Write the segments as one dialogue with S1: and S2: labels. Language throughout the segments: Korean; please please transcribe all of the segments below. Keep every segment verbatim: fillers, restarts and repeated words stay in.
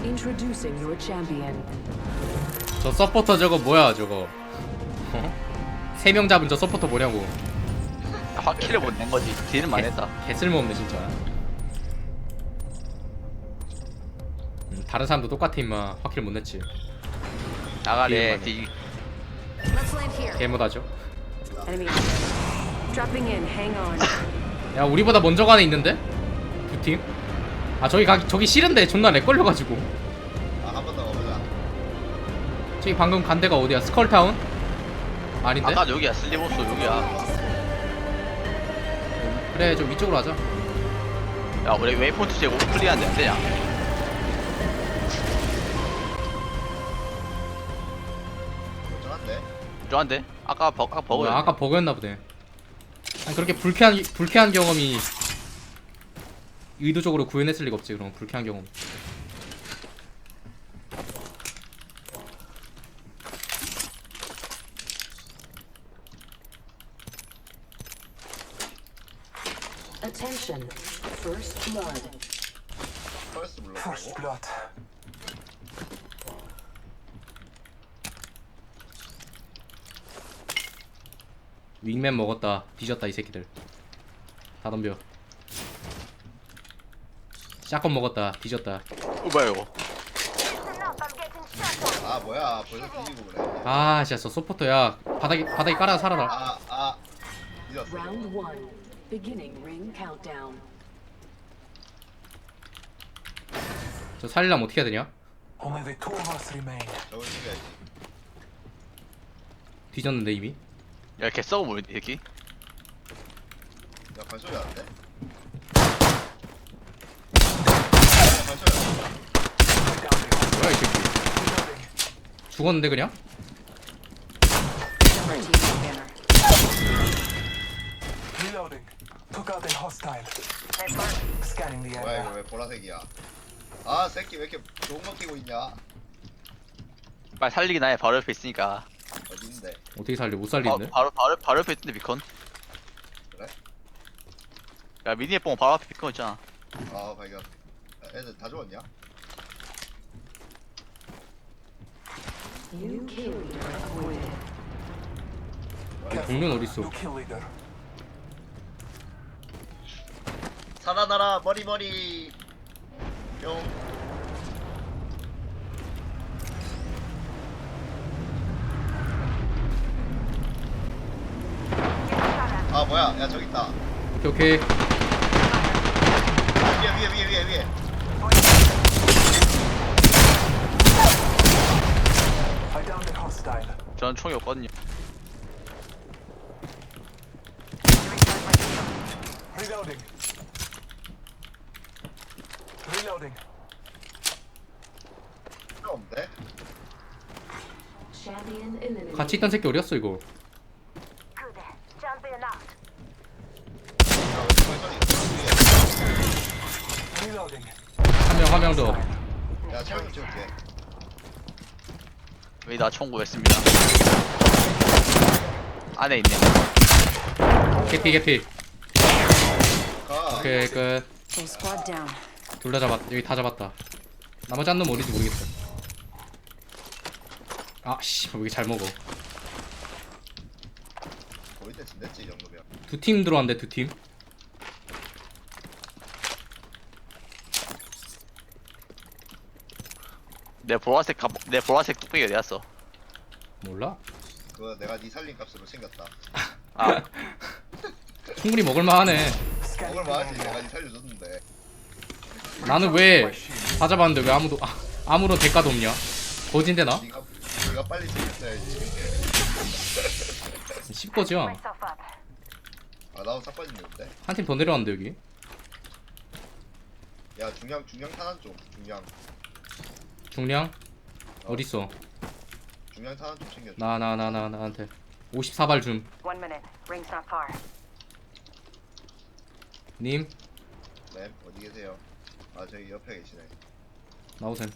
S1: Introducing your champion.
S2: 저 서포터 저거 뭐야 저거? 어? 세 명 잡은 저 서포터 뭐냐고?
S3: 확킬을 못 낸 거지. 딜은 많이 했다.
S2: 개 쓸모없네 진짜. 음, 다른 사람도 똑같아 임마. 확킬 못 냈지.
S3: 나가래.
S2: 딜은
S3: 딜.
S1: Let's land here.
S2: 개못하죠.
S1: Enemy. Dropping in. Hang on.
S2: 야 우리보다 먼저 가네 있는데? 두 팀? 아 저기 가 저기 싫은데 존나 렉 걸려가지고.
S4: 아, 한 번 더 가보자.
S2: 저기 방금 간 데가 어디야? 스컬타운? 아닌데?
S3: 아까 여기야. 슬리보스 여기야.
S2: 그래 좀 위쪽으로 하자.
S3: 야 우리 웨이포인트 제고 클리어한데 안 되냐?
S4: 멀쩡한데?
S3: 좋아한데? 아까 버 아까 버거.
S2: 뭐야, 아까 버그였나 보네. 아니 그렇게 불쾌한 불쾌한 경험이 의도적으로 구현했을 리가 없지. 그럼 불쾌한 경험.
S1: Attention. First blood.
S4: 퍼스트 불러.
S5: First blood.
S2: 윙맨 먹었다. 뒤졌다 이 새끼들. 다 덤벼. 샷건 먹었다. 뒤졌다.
S3: 어 뭐야 이거?
S4: 아, 뭐야. 벌써 뒤지고 그래.
S2: 아 진짜 저 소포터야. 바닥에 바닥에 깔아 살아라.
S4: 아, 아. 잊었어.
S1: Round one. Beginning ring countdown.
S2: 저 살리려면 어떻게 해야 되냐?
S5: Only the two of us remain.
S4: 저걸 죽여야지.
S2: 뒤졌는데 이미.
S3: 야 개 썩어 보이네 이렇게.
S4: 야, 발소리 나는데? 야, 발소리 나는데?
S2: 뭐야 이 새끼.
S5: Reloading.
S2: 죽었는데 그냥?
S1: Red team banner.
S5: Reloading. Took out a hostile. Scanning the
S4: 뭐야,
S5: area.
S4: 이거 왜 보라색이야? 아, 새끼 왜 이렇게 좋은 거 끼고 있냐?
S3: 빨리 살리긴 해. 바로 옆에 있으니까.
S4: 어딘데?
S2: 어떻게 살려? 못
S3: 바,
S2: 살리는데?
S3: 바로 바로 바로 옆에 있던데 비컨.
S4: 그래?
S3: 야 미니에 뽕 바로 앞에 비컨 있잖아.
S4: 아, 발견. 야, 애들 다 죽었냐?
S1: New kill leader appointed.
S2: 동료는 어딨어?
S5: New kill leader.
S4: 살아나라, 머리 머리. 뿅. 아, 뭐야? 야, 저기 있다.
S2: 오케이 오케이.
S4: 위에 위에 위에 위에 위에.
S5: I downed a hostile.
S3: 저는 총이 없거든요.
S5: Reloading. Reloading.
S4: 필요 없는데?
S1: Champion eliminated.
S2: 같이 있던 새끼 어디였어 이거?
S4: 야, 왜 저기 위에?
S5: Reloading.
S2: 한 명 한 명 더.
S4: 야, 체력 찍을게.
S3: 왜 나 총 구했습니다. 안에 있네.
S2: 개피 개피.
S4: 가.
S2: 오케이 끝.
S1: Full squad down.
S2: 둘 다 잡았. 여기 다 잡았다. 나머지 한 놈 어딘지 모르겠어. 아씨 왜 이렇게 잘 먹어?
S4: 거의 대충 됐지, 이 정도면.
S2: 두 팀 들어왔는데 두 팀.
S3: 내 보라색 갑, 내 보라색 뚝배기 어디 갔어?
S2: 몰라?
S4: 그거 내가 네 살린 값으로 챙겼다.
S3: 아
S2: 충분히 먹을만하네.
S5: Scanning
S4: 먹을
S5: the
S4: 만하지,
S5: area.
S4: 내가 네 살려줬는데.
S2: 나는 왜 다 잡았는데 왜 아무도 아, 아무런 대가도 없냐? 거진데 나?
S4: 네가 네가 빨리 챙겼어야지.
S2: 씹거지야.
S4: 아, 나도 싹 빠지는데.
S2: 한 팀 더 내려왔는데 여기.
S4: 야, 중량 중량 탄환 좀. 중량
S2: 중량 어딨어?
S4: 중량 탄환 좀 챙겨줘.
S2: 나 나 나 나 나한테 오십사 발 줌.
S1: One minute. Ring's not far.
S2: 님
S4: 네, 어디 계세요? 아, 저기 옆에 계시네.
S2: 나오셈.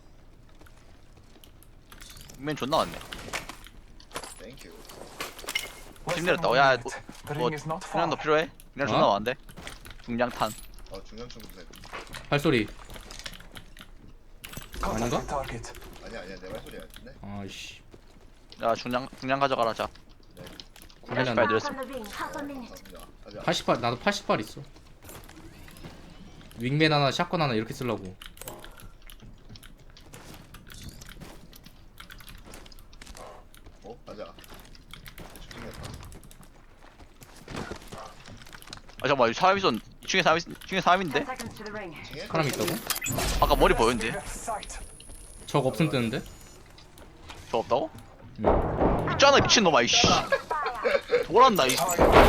S3: 맨 존나 왔네.
S4: 땡큐.
S5: Less
S3: 힘
S5: than
S3: 내렸다.
S5: one
S3: 야,
S5: minute. The
S3: 뭐
S5: ring is not
S3: 중량도
S5: far.
S3: 필요해? 중량 존나
S2: 어?
S3: 많은데? 중량탄.
S4: 어, 중량 좀 주세요.
S2: 발소리.
S5: Contact
S2: 아닌가?
S5: with target.
S4: 아니야 아니야 내 말소리 같은데.
S2: 아이씨
S3: 야 중량 중량 가져가라 자.
S2: 구매는
S3: 빨리
S2: 안 돼.
S3: 들었어.
S4: 감사합니다. 가자.
S2: 팔십 발 나도 팔십 발 있어. 윙맨 하나 샷건 하나 이렇게 쓰려고.
S4: 어 가자. 죽겠다.
S3: 아 잠깐만 여기 사람 있었. 이 층에 사람 있. 이 층에 사람인데?
S1: Ten seconds to the ring.
S4: 층에?
S2: 사람 있다고?
S3: 아까 머리 보였는데?
S5: Left sight.
S2: 적 없음 뜨는데?
S3: 저 없다고?
S2: 응.
S3: 있잖아 미친놈아 이씨. 돌았나 이.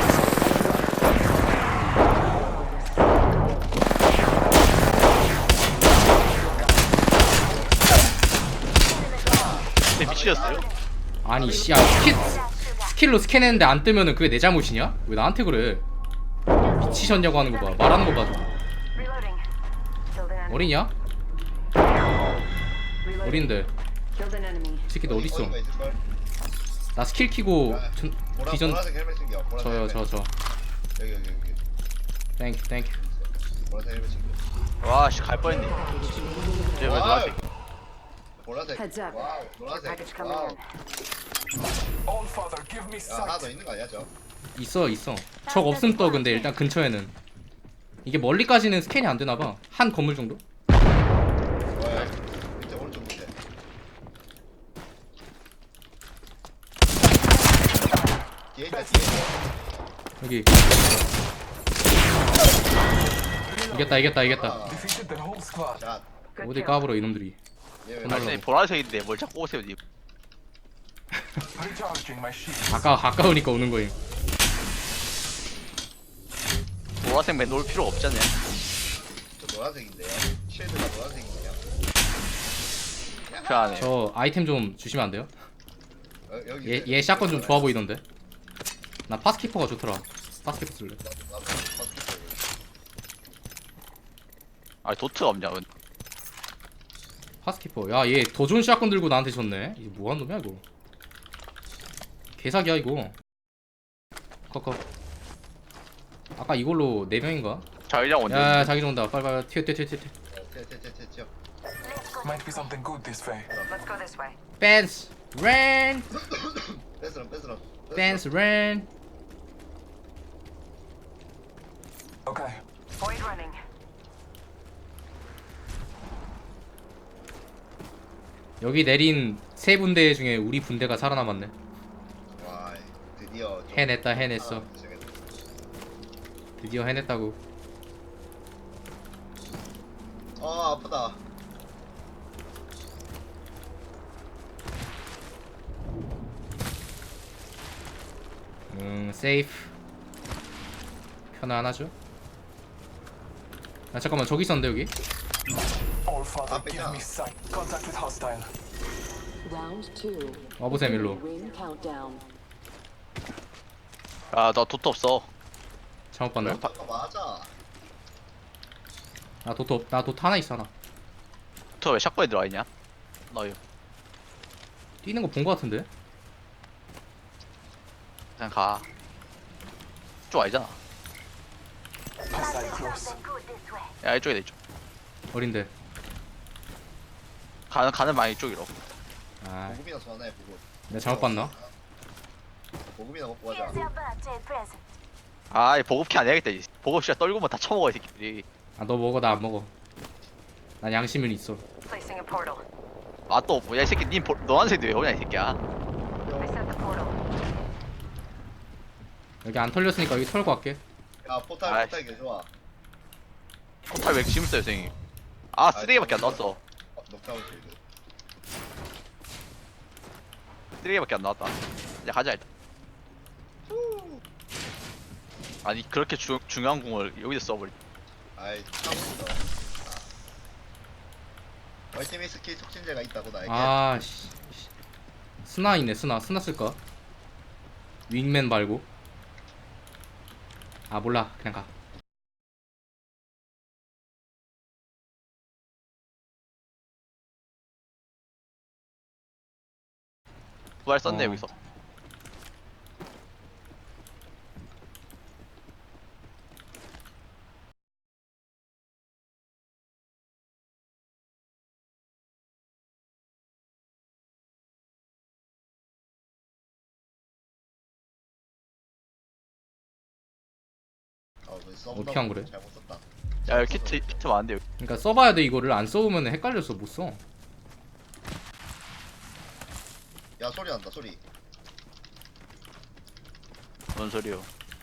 S3: 근데 미치셨어요?
S2: 아니 씨야 스킬 스킬로 스캔했는데 안 뜨면은 그게 내 잘못이냐? 왜 나한테 그래? 미치셨냐고 하는 거 봐. 말하는 거 봐. 좀.
S1: Reloading. Killed an enemy.
S2: 어리냐?
S1: Reloading.
S2: 어린데.
S1: Killed an enemy.
S2: 이 새끼 너 어딨어?
S4: 어디가 있을걸?
S2: 나 스킬 키고 전,
S4: 보라,
S2: 비전
S4: 보라색 헬멧 챙겨. 보라색
S2: 저요
S4: 헬멧.
S2: 저 저.
S4: 여기 여기 여기.
S2: 땡큐 땡큐.
S4: 보라색 헬멧 챙겨.
S3: 와씨 갈 뻔했네. 쟤왜
S4: 와우.
S3: 노란색?
S4: 보라색.
S1: Heads up.
S4: 와우.
S1: Care
S4: 노란색.
S1: package coming
S4: 와우.
S1: in.
S5: All father, give me
S4: 야 하나 더
S5: sight.
S4: 있는 거 아니야 저?
S2: 있어 있어. 적 없음 떠 근데 일단 근처에는. 이게 멀리까지는 스캔이 안 되나 봐. 한 건물 정도?
S4: 뭐야? 밑에 오른쪽 밑에. 뒤에 있다 뒤에.
S2: 여기. 이겼다 이겼다 이겼다.
S5: Defeated the whole squad.
S4: 자.
S1: Good
S2: 어디
S1: kill.
S2: 까불어 이놈들이.
S4: 얘 왜?
S2: 하나
S3: 아니 보라색인데 뭘 자꾸 오세요 님.
S5: Recharging my shield.
S2: 아까 가까우니까 오는 거임.
S3: 보라색 맨 놓을 필요 없잖아요.
S4: 저 노란색인데요. 쉴드가 노란색이네요.
S3: 편하네.
S2: 저 아이템 좀 주시면 안 돼요?
S4: 어, 여기
S2: 얘, 얘 샷건 좀 좋아 보이던데. 나 파스키퍼가 좋더라. 파스키퍼 쓸래.
S3: 아 도트가 없냐? 은.
S2: 파스키퍼. 야, 얘 더 좋은 샷건 들고 나한테 줬네. 이거 뭐하는 놈이야 이거. 개사기야 이거. 커커. 아까 이걸로 네 명인가?
S3: 자기장 언제?
S2: 야, 자기 온다. 빨리 빨리 튀어 튀어 튀어 튀어.
S4: 튀튀튀튀.
S5: Might be something good this way.
S1: Let's go this way.
S2: 댄스 랜.
S4: 뺏으럼 뺏으럼.
S2: 댄스 랜.
S5: Okay.
S1: Void running.
S2: 여기 내린 세 분대 중에 우리 분대가 살아남았네.
S4: 와 드디어 좀
S2: 해냈다 해냈어.
S4: 살아남기 시작했네.
S2: 드디어 해냈다고.
S4: 아 아프다.
S2: 음 세이프. 편안하죠? 아 잠깐만 저기 있었는데 여기?
S5: All father,
S4: Up and
S5: give
S4: down.
S5: me sight. Contact with hostile.
S6: Round two.
S2: 와보셈 일로.
S6: Ring countdown.
S3: 아나 도트 없어.
S2: 잘못 봤나?
S4: 아까 맞아.
S2: 나 도트 없- 나 도트 하나 있어 하나.
S3: 도트 왜 샷건에 들어와 있냐? 너요.
S2: 뛰는 거 본 거 같은데?
S3: 그냥 가. 이쪽 아니잖아.
S5: Hostile close.
S3: 야 이쪽이다 이쪽.
S2: 어린데.
S3: 가는 가는 방이 이쪽이로.
S2: 아,
S4: 보급이나 전화해 보급.
S2: 내가 잘못 봤나?
S4: 보급이나 먹고 가자.
S3: 아이 보급키 안 해야겠다. 이 보급시가 떨구면 다 처먹어 이 새끼들이.
S2: 아, 너 먹어 나 안 먹어. 난 양심은 있어.
S1: Placing a portal.
S3: 아또 뭐야 이 새끼 님 보- 노란색도 왜 오냐 이 새끼야.
S1: I set the portal.
S2: 여기 안 털렸으니까 여기 털고 갈게.
S4: 야 포탈
S3: 아이씨.
S4: 포탈 개 좋아.
S3: 포탈 왜 이렇게 심했어요 선생님. 아 쓰레기밖에 안 나왔어.
S4: 어, 녹타운 실드.
S3: 쓰레기밖에 안 나왔다. 이제 가자 일단. 아니 그렇게 주, 중요한 공을 여기서 써버리.
S4: 아이 타고 있어. 얼티밋 스킬 촉진제가 있다고 나에게.
S2: 아, 씨. 씨. 스나 있네 스나. 스나 쓸까? 윙맨 말고. 아 몰라 그냥 가.
S3: 부활 썼네
S2: 어.
S3: 여기서.
S2: 어떻게 안 그래?
S4: 잘못 썼다.
S3: 야 여기 키트 키트 많은데 여기.
S2: 그러니까 써봐야 돼. 이거를 안 써보면 헷갈려서 못 써.
S4: 야 소리 난다 소리.
S3: 뭔 소리요?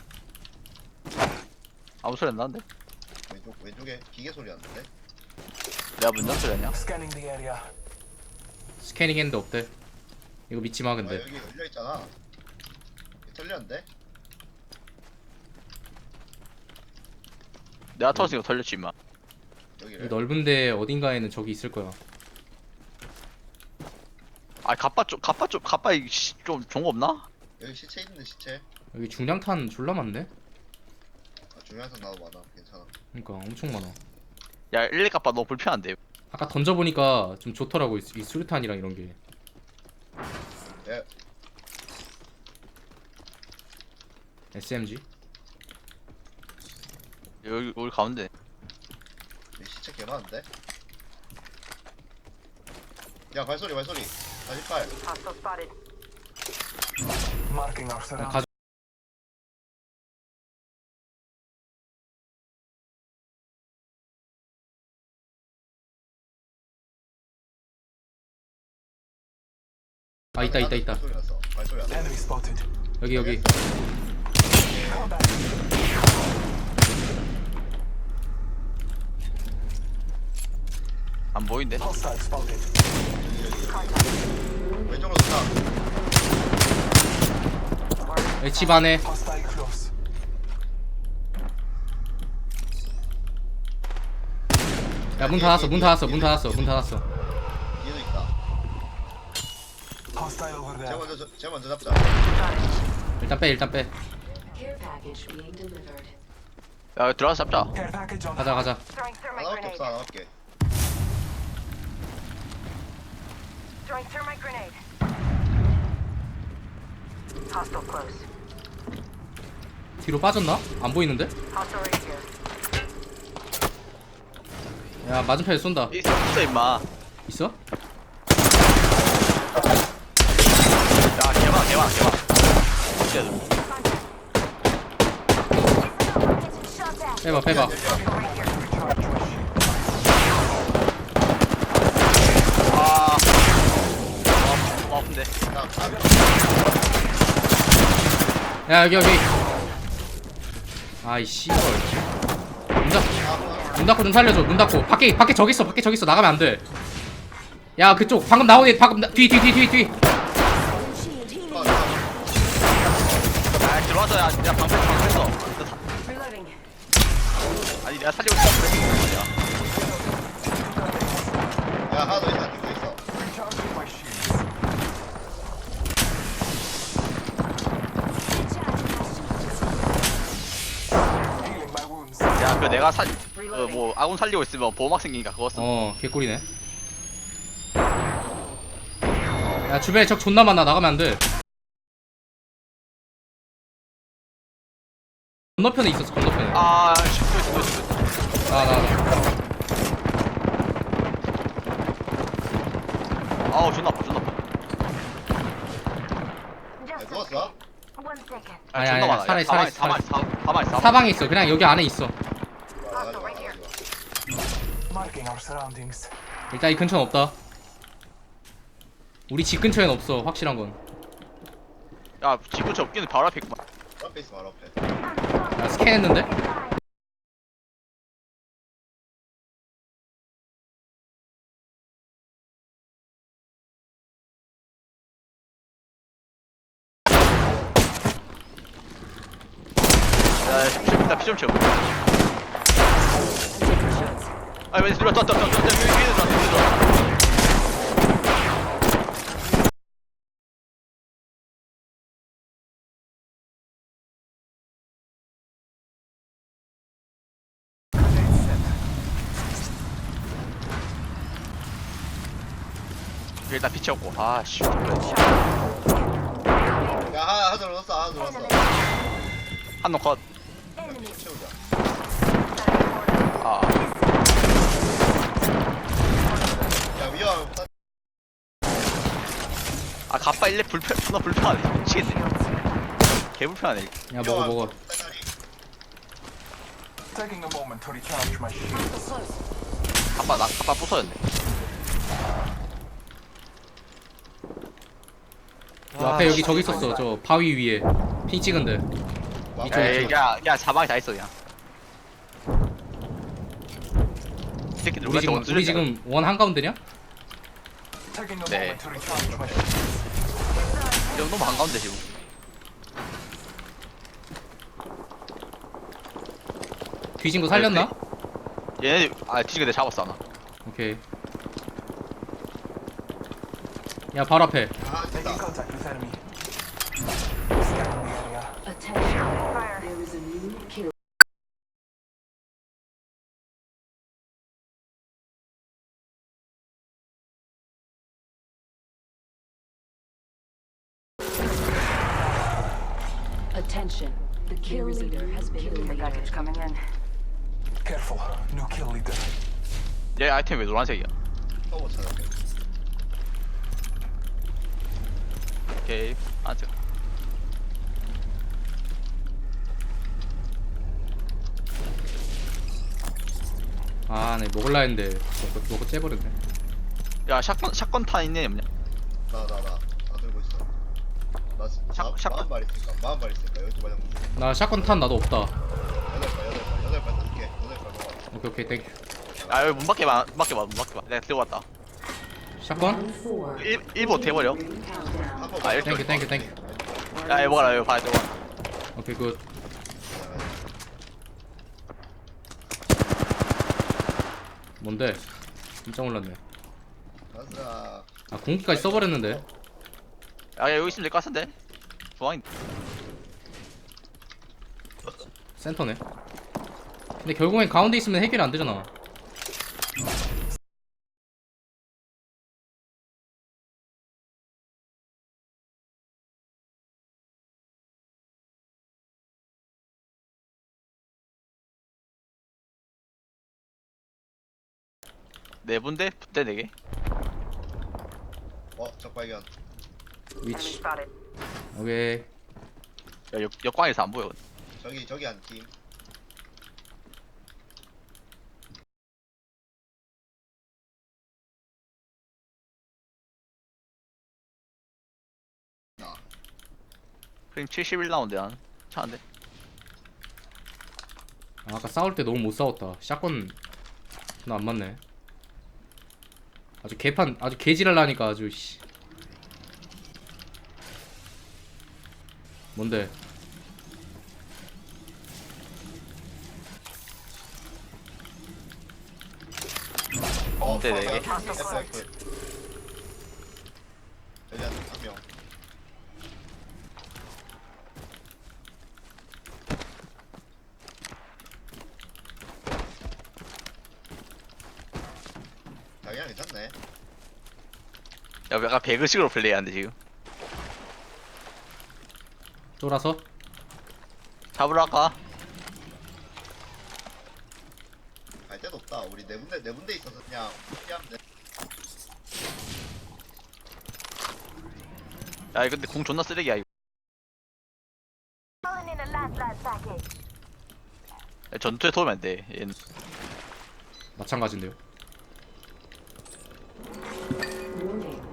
S3: 아무 소리 안 나는데?
S4: 왼쪽 왼쪽에 기계 소리 났는데.
S3: 내가 문장 소리 아니야?
S5: Scanning the area.
S2: 스캐닝 했는데 없대. 이거 믿지 마
S4: 아
S2: 근데.
S4: 여기 열려 있잖아. 털렸는데?
S3: 내가 터졌으니까 털렸지 임마.
S4: 여기를.
S2: 이 넓은데 어딘가에는 저기 있을 거야.
S3: 아 갑바 좀 갑바 좀 갑바 이 씨, 좀 좋은 거 없나?
S4: 여기 시체 있는데 시체.
S2: 여기 중량탄 졸라 많네.
S4: 아, 중요한 선 나도 많아. 괜찮아.
S2: 그러니까 엄청 많아.
S3: 야 일일 갑바 너무 불편한데.
S2: 아까 던져보니까 좀 좋더라고 이, 이 수류탄이랑 이런 게.
S4: 예.
S2: 에스엠지?
S3: 여기 여기 가운데.
S4: 여기 시체 개 많은데? 야 발소리 발소리. 사십팔.
S1: Hostile spotted.
S5: Marking our
S2: 아,
S5: surroundings.
S2: 가... 아 있다 있다 있다.
S4: 발소리 났어. 발소리 났어.
S5: Enemy spotted.
S2: 여기 여기.
S5: Fall back.
S3: 안 보이는데?
S5: Hostile spotted.
S4: 왼쪽으로 쏜다.
S2: 여기 집 안에.
S5: Hostile close.
S2: 야 문 닫았어 문 닫았어 문 닫았어 문 닫았어.
S4: 뒤에도 있다.
S5: Hostile over
S4: 쟤
S5: there.
S4: 먼저 저- 쟤 먼저 잡자.
S2: 일단 빼 일단 빼.
S6: Care package being delivered.
S3: 야 여기 들어가서 잡자.
S5: Care package on.
S2: 가자 가자.
S1: Throwing thermite
S4: 하나밖에
S1: grenade.
S4: 없어 하나밖에.
S1: Throwing thermite grenade. Hostile close.
S2: 뒤로 빠졌나? 안 보이는데?
S1: Hostile right here.
S2: 야 맞은편에 쏜다.
S3: 있어 있어 임마.
S2: 있어?
S3: 야 개만 개만 개만. 어떻게
S2: 빼봐 빼봐.
S3: 아. 아 아픈데.
S4: 야 아,
S2: 야 여기 여기. 아이 씨발. 문 닫. 문 닫고 좀 살려줘. 문 닫고. 밖에 밖에 저기 있어. 밖에 저기 있어. 나가면 안 돼. 야 그쪽 방금 나온 애 방금 뒤 뒤 뒤 뒤 뒤.
S3: 아 들어와서 야, 야 방패 방패했어.
S1: Reloading.
S3: 아니 내가 살리고 있어. 그래.
S4: 야 하나 더 있다. 뛰고 있어.
S5: Recharging my shields. Healing my wounds.
S3: 야, 그 내가 살, 그 뭐 아군 살리고 있으면 보호막 생기니까 그거 써.
S2: 어 개꿀이네. 야 주변에 적 존나 많아. 나가면 안 돼. 건너편에 있었어. 건너편에.
S3: 아, 또 있어, 또 있어, 또 있어.
S2: 나 나 나.
S3: 아우 존나 아파, 존나 아파.
S4: 야 누웠어?
S1: One second.
S3: 아,
S2: 아니,
S3: 존나
S2: 아니,
S3: 많아.
S2: 살아있어,
S3: 사방에,
S2: 살아있어,
S3: 사방에, 사- 사방에, 사방에.
S2: 사방에 있어. 그냥 여기 안에 있어.
S4: 좋아 나가 좋아 나가 좋아.
S5: Marking our surroundings.
S2: 일단 이 근처는 없다. 우리 집 근처엔 없어. 확실한 건.
S3: 야, 지구 접기는 바로 앞에 있구만.
S4: 바로 앞에 있어 바로 앞에.
S2: 야 스캔했는데?
S3: 야, 일단 피 좀 채워. 아니, 왜 들어, 또, 또, 또, 또, 또, 위에 들어, 위에 들어. 일단 피 채웠고. 아, 씨.
S4: 야 하나 하나 더 넣었어 하나 더 넣었어.
S3: 한놈 컷.
S4: 채우자.
S3: 아,
S4: 야 위험.
S3: 아, 갑바 일렙 불편, 존나 불편하네. 미치겠네. 개 불편하네.
S2: 야 먹어 먹어.
S5: Taking a moment to recharge my shields.
S3: 갑바 나 갑바 부서졌네.
S2: 저 앞에 여기 저기 있었어. 저 바위 위에 핑 찍은데. 이쪽에
S3: 에이,
S2: 있죠.
S3: 야, 야, 자막이 다 있어 그냥. 이 새끼들
S2: 우리 지금
S3: 우리한테
S2: 우리 지금 원 한가운데냐?
S5: Taking a
S3: 네.
S5: moment to recharge my shields.
S3: 지금 너무 한가운데 지금.
S2: 뒤진 거 살렸나?
S3: 얘네 아 뒤지게 내 잡았어 하나.
S2: 오케이. 야 바로 앞에.
S4: 아
S5: Making
S4: 됐다.
S5: contact with enemy. Scanning the area.
S6: Attention. There is a new kill. Attention. The kill leader has been eliminated.
S1: coming in.
S5: Careful. New kill leader.
S3: 얘 아이템 왜 노란색이야?
S4: 또못 찾았네.
S3: 오케이. 아 지금.
S2: 아, 네 먹을라 했는데 먹고 먹고 째버렸네.
S3: 야 샷건 샷건 탄 있네 없냐?
S4: 나 나 나 다 들고 있어. 나
S3: 샷- 샷건-
S4: 마흔 발 있을까? 마흔 발 있을까? 열두 발 정도.
S2: 나 샷건 탄 나도 없다.
S4: 여덟 발 여덟 발 여덟 발 다섯 개 여덟 발 먹어.
S2: 오케이 오케이 땡큐.
S3: 아 여기 문 밖에 봐, 문 밖에 봐, 문 밖에 봐. 내가 들고 왔다.
S2: 샷건?
S6: Round four.
S3: 일 일보 돼버려.
S6: Countdown.
S4: 한번
S3: 아, 이렇게
S2: 땡큐 땡큐 땡큐.
S3: 야 이거 먹어라 이거 봐 이거.
S2: 오케이 굿. 뭔데? 깜짝 놀랐네.
S4: 가자.
S2: 아 공기까지 써버렸는데.
S3: 야 여기 있으면 될 것 같은데. 중앙인.
S2: 센터네. 근데 결국엔 가운데 있으면 해결이 안 되잖아.
S3: 네 분대 분대 네 개.
S4: 어 적발견.
S1: Enemy
S2: 위치.
S1: spotted.
S2: 오케이.
S3: 야 역, 역광에서 안 보여.
S4: 저기 저기 한 팀.
S3: 프레임 칠십일 라운드 한 차인데.
S2: 아, 아까 싸울 때 너무 못 싸웠다. 샷건 나 안 맞네. 아주 개판 아주 개지랄라니까 아주 씨. 뭔데?
S4: 어
S3: 네, 네 개.
S4: F F. 여기 한 한 명. 자기랑 괜찮네.
S3: 야 약간 배그식으로 플레이하는데 지금.
S2: 쫄아서?
S3: 잡으러 갈까?
S4: 갈 데도 없다. 우리 네 군데 네 군데 있어서 그냥 피하면 돼.
S3: 야 근데 공 존나 쓰레기야 이거. 야, 전투에 도우면 안 돼. 얘는.
S2: 마찬가지인데요.
S6: Warning.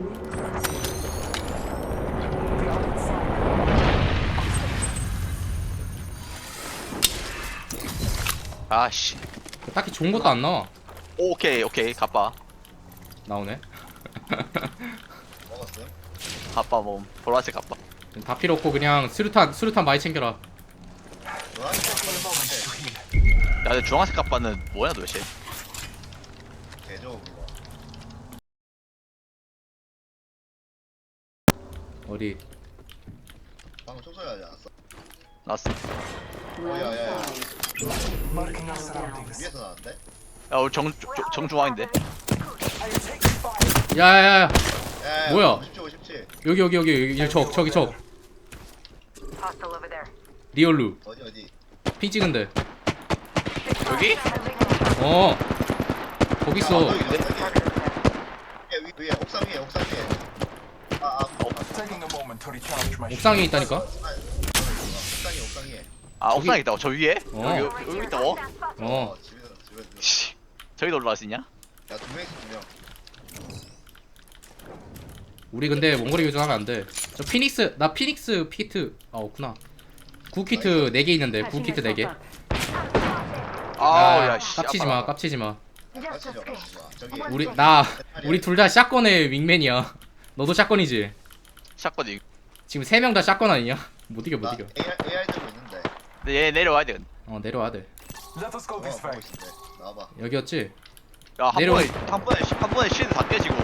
S3: 아씨.
S2: 딱히 좋은 것도 안 나와.
S3: 오케이 오케이 갑바.
S2: 나오네.
S4: 먹었음.
S3: 갑바 뭐 보라색 갑바.
S2: 다 필요 없고 그냥 수류탄 수류탄 많이 챙겨라.
S4: 노란색
S5: For a moment to
S4: 네.
S5: heal.
S3: 야 근데 주황색 갑바는 뭐야 도대체?
S4: 개조 그거.
S2: 어디?
S4: 방금 총소리 하지 않았어?
S3: 나왔어.
S6: Round
S4: yeah, yeah.
S6: five.
S5: Marking our surroundings.
S4: 위에서 나왔는데?
S3: 야 우리 정 정- 정중앙인데.
S5: I am taking fire.
S2: 야야야.
S4: 야,
S2: 뭐야?
S4: 오십칠 오십칠.
S2: 여기 여기 여기 여기 적 저기 적
S1: Hostile over there.
S2: 리얼루
S4: 어디 어디?
S2: 핑 찍은데.
S3: 여기?
S2: 어. 거기 있어.
S4: 아, 여기 여기. 위에 위- 위에 옥상 위에 옥상 위에. 아, 아, 어,
S5: Taking a moment to recharge my
S2: 옥상에
S5: shields.
S2: 있다니까.
S4: 옥상이 옥상에.
S3: 아
S2: 저기-
S3: 옥상에 있다고 저 위에?
S2: 어.
S3: 여기 여기, 여기 있다고?
S2: 어
S4: 어 집에서 집에서.
S3: 씨 저기도 올라갈 수 있냐?
S4: 야두 명이서 두 명.
S2: 우리 근데 원거리 교전하면 안돼. 저 피닉스 나 피닉스 키트 아 없구나. 구 키트 네 개 있는데 구 키트 네 개.
S3: 아우 야씨
S2: 깝치지 마 깝치지 마.
S4: 같이죠 같이죠. 저기
S2: 우리 나 우리 둘 다 샷건의 윙맨이야. 너도 샷건이지.
S3: 샷건이
S2: 지금 세 명 다 샷건 아니냐? 못 이겨 못
S4: 나
S2: 이겨.
S4: 에이알 에이알 들고 있는데.
S3: 근데 얘 내려와야 돼.
S2: 어 내려와야 돼.
S5: Let us go
S4: 어
S5: this
S4: 보고
S5: way.
S4: 있는데. 나와봐.
S2: 여기였지?
S3: 야한
S2: 내려와.
S3: 번에 한 번에 시- 한 번에 실드 다 깨지고.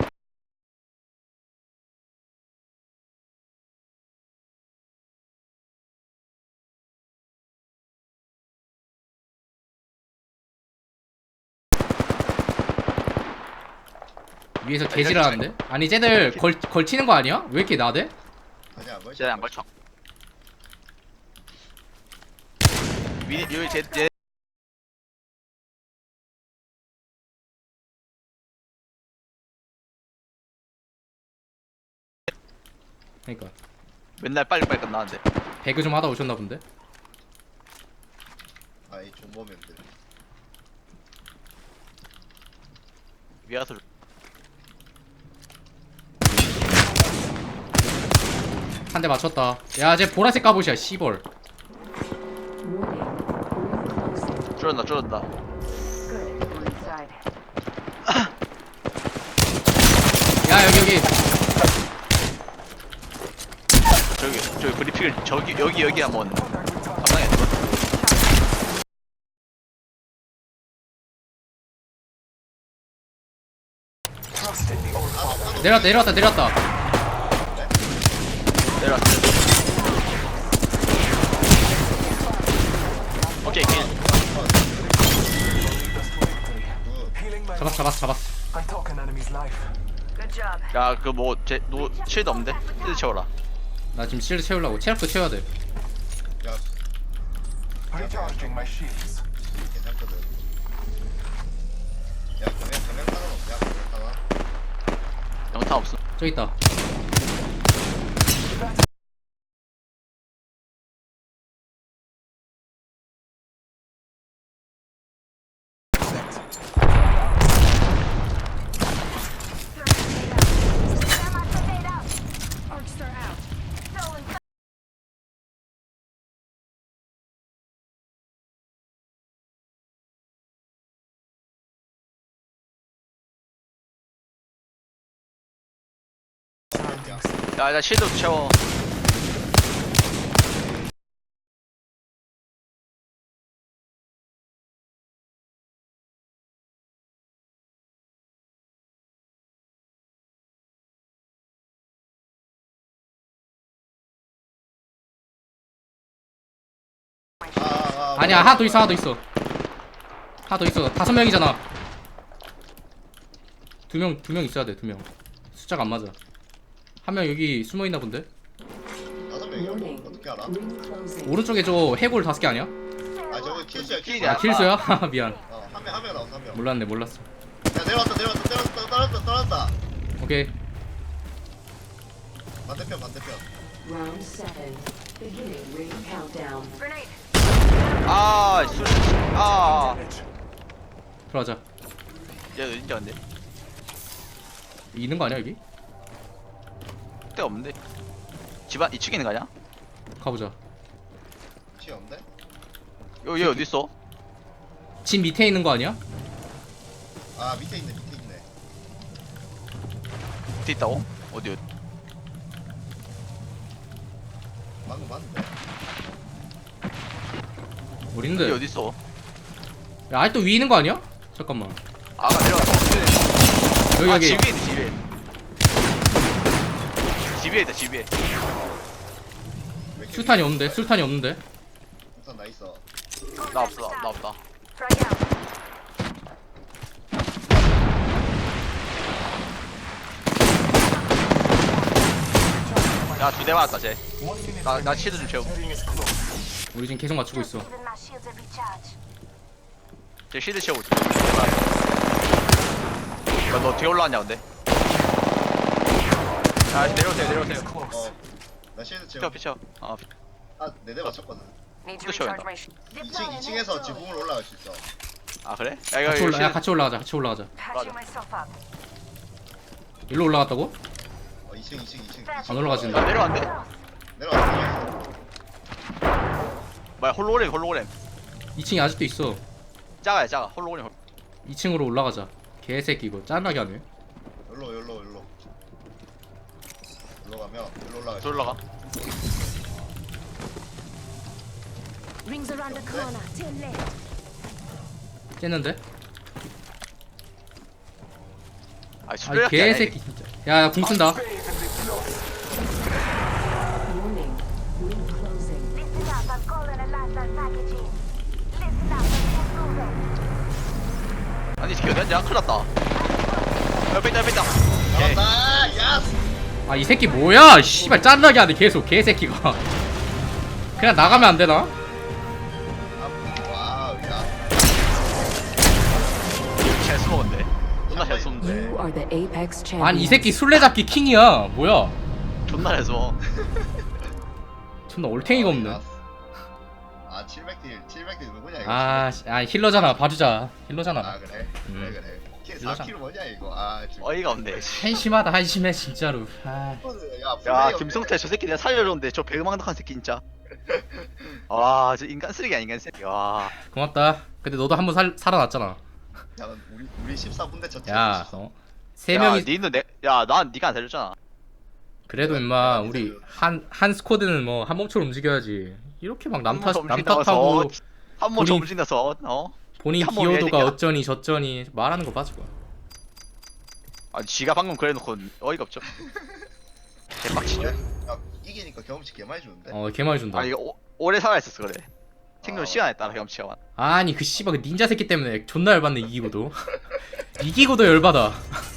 S2: 위에서 개지랄하는데? 아니 쟤들 걸 걸치는 거 아니야? 왜 이렇게 나대?
S4: 아니야 뭘?
S3: 쟤안 걸쳐. 미 여기 쟤쟤
S2: 그러니까
S3: 맨날 빨리빨리 끝나는데.
S2: 배그 좀 하다 오셨나 본데?
S4: 아이 존버맨들.
S3: 위아서
S2: 한 대 맞췄다. 야 쟤 보라색 갑옷이야 씨벌.
S6: Warning. Ring closing.
S3: 줄었다 줄었다.
S1: Good. We're inside.
S2: 야 여기 여기.
S3: 저기 저기 브리핑을 저기 여기 여기 한번 감당해.
S5: Trust in the old father.
S2: 내려왔다 내려왔다 내려왔다.
S3: 내려왔어. 오케이 킬.
S5: Lead us to victory. Healing my
S2: 잡았어 잡았어 잡았어.
S5: I took an enemy's life.
S1: Good job.
S3: 야그 뭐제노 실드 없는데? 실드 채워라.
S2: 나 지금 실드 채우려고 체력도 채워야 돼.
S4: 야
S5: Recharging my shields.
S4: 괜찮거든. 야 그냥 그냥 타는 없냐? 그냥 타나?
S3: 영탄 없어.
S2: 저기 있다.
S3: 야야 실드 채워.
S4: 아아
S2: 아니야 하나 더 있어 하나 더 있어. 하나 더 있어. 다섯 명이잖아. 두 명 두 명 있어야 돼 두 명. 숫자가 안 맞아. 한 명 여기 숨어 있나 본데?
S4: 다섯 명이야?
S6: Warning.
S4: 어떻게 알아?
S6: Ring closing.
S2: 오른쪽에 저 해골 다섯 개 아니야?
S4: 아 저거 킬수야 킬수.
S3: 킬이야.
S2: 아 킬수야? 하하, 미안.
S4: 어한 명 한 명 나왔어 한 명.
S2: 몰랐네 몰랐어.
S4: 야 내려왔다 내려왔다 내려왔다 떨어졌다 떨어졌다.
S2: 오케이.
S4: 반대편 반대편.
S6: Round seven. Beginning ring countdown.
S1: Grenade.
S3: 아 술. 아.
S5: Damage.
S2: 들어가자.
S3: 얘 어딘지 안돼.
S2: 있는 거 아니야 여기?
S3: 때 없는데. 집안 이 층에 있는 거 아니야?
S2: 가보자.
S4: 치 없는데?
S3: 여기 얘 어디 있어?
S2: 집 밑에 있는 거 아니야?
S4: 아 밑에 있네 밑에 있네.
S3: 밑에 있다고? 어디 어디?
S4: 방금 봤는데.
S2: 어디
S3: 여기
S2: 있는데?
S3: 어디 있어?
S2: 야 아직도 위에 있는 거 아니야? 잠깐만.
S3: 아가 내려왔어.
S2: 여기
S3: 아
S2: 여기.
S3: 집에 있네 집에. 집에 있다 집에.
S4: 왜 이렇게
S2: 술탄이 없는데? 술탄이 없는데?
S4: 우선 나 있어.
S3: 나 없어 나 없다.
S1: Frag out.
S3: 야 두 대 맞았다 쟤.
S5: One minute
S3: 나 나
S5: remaining.
S3: 실드 좀 채워.
S5: Ring is close.
S2: 우리 지금 계속 맞추고 있어.
S1: Giving my shields a recharge.
S3: 쟤 실드 채우고 있어. 야너 뒤에 올라왔냐 근데? 야 내려오세요
S5: Ring is
S3: 내려오세요.
S5: close.
S4: 어나 실드
S3: 피쳐
S4: 채워.
S3: 피쳐. 어
S4: 아네 대 맞췄거든.
S1: Need to
S3: 또 쉬어야
S1: recharge
S3: 된다.
S1: my sh-
S4: 이 층 이 층에서 지붕으로 올라갈 수 있어.
S3: 아 그래? 야 이거
S2: 같이
S3: 이거
S2: 올라 야
S3: 실-
S2: 같이 올라가자 같이 올라가자
S1: patching myself up.
S2: 일로 올라갔다고?
S4: 어, 이 층 이 층 이 층.
S2: 안 올라가진다.
S3: 야, 내려왔네?
S4: 내려와 내려와.
S3: 뭐야 홀로그램 홀로그램
S2: 이 층이 아직도 있어.
S3: 작아야 작아 홀로그램 홀-
S2: 이 층으로 올라가자. 개새끼 이거 짠나게 하네.
S4: 열로 열로 열로. 열로 가면 열로 올라가.
S3: 저 올라가
S7: Rings around the corner. Turn left.
S2: 쨌는데?
S3: 아
S2: 아
S3: 술래잡기
S2: 개새끼 진짜. 야 궁 쓴다.
S5: Bathe in the glory.
S6: Warning. Ring closing.
S7: Listen up, I'm calling a lifestyle packaging. Listen up, I'm moving.
S3: 아니 어디 앉아? 큰일 났다 옆에 있다 옆에 있다 오케이.
S4: 잡았다. 야스.
S2: 아 이 새끼 뭐야? 씨발 짠나게 하네 계속 개새끼가. 그냥 나가면 안 되나?
S4: 아, 와우 야.
S3: 잘 숨었는데 존나 잘 숨는데
S6: You are the Apex champion.
S2: 아니 이 새끼 술래잡기 킹이야. 뭐야?
S3: 존나 잘 숨어
S2: 존나 올탱이가 없네.
S4: 야스. 아 칠백 딜 칠백 딜 누구냐 이거.
S2: 아, 씨, 아 힐러잖아. 봐주자.
S4: 아
S2: 힐러잖아.
S4: 그래
S2: 음.
S4: 그래 그래. 킬
S2: 일로잖아.
S4: 사 킬 뭐냐 이거. 아 지금.
S3: 어이가 없네
S2: 한심하다 한심해 진짜로. 아.
S4: 야,
S3: 야 김성태 저 새끼 내가 살려줬는데 저 배망덕한 새끼 진짜 와저 인간 쓰레기야 인간 쓰레기 와
S2: 고맙다. 근데 너도 한 번 살 살아났잖아.
S4: 야 우리 우리 십사 분대 쳤지.
S2: 야, 어? 세
S3: 야,
S2: 명이
S3: 니는 내, 야, 난 니가 안 살렸잖아.
S2: 그래도 임마 우리 한 한 스쿼드는 뭐 한 몸처럼 움직여야지. 이렇게 막 남탓
S3: 한몸
S2: 남탓하고
S3: 한몸
S2: 본인-
S3: 정신나서 어?
S2: 본인
S3: 한 몸이야, 이
S2: 기여도가
S3: 새끼야.
S2: 어쩌니 저쩌니 말하는 거 봐주고.
S3: 아, 지가 방금 그래놓고 어이가 없죠. 개빡치죠.
S4: 야 이기니까 경험치 개 많이 주는데.
S2: 어, 개 많이 준다.
S3: 아, 이거 오, 오래 살아있었어 그래. 생존
S4: 아,
S3: 시간에 따라 경험치가 많아.
S2: 아니 그 씨발 그 닌자 새끼 때문에 존나 열받네 이기고도. 이기고도 열받아.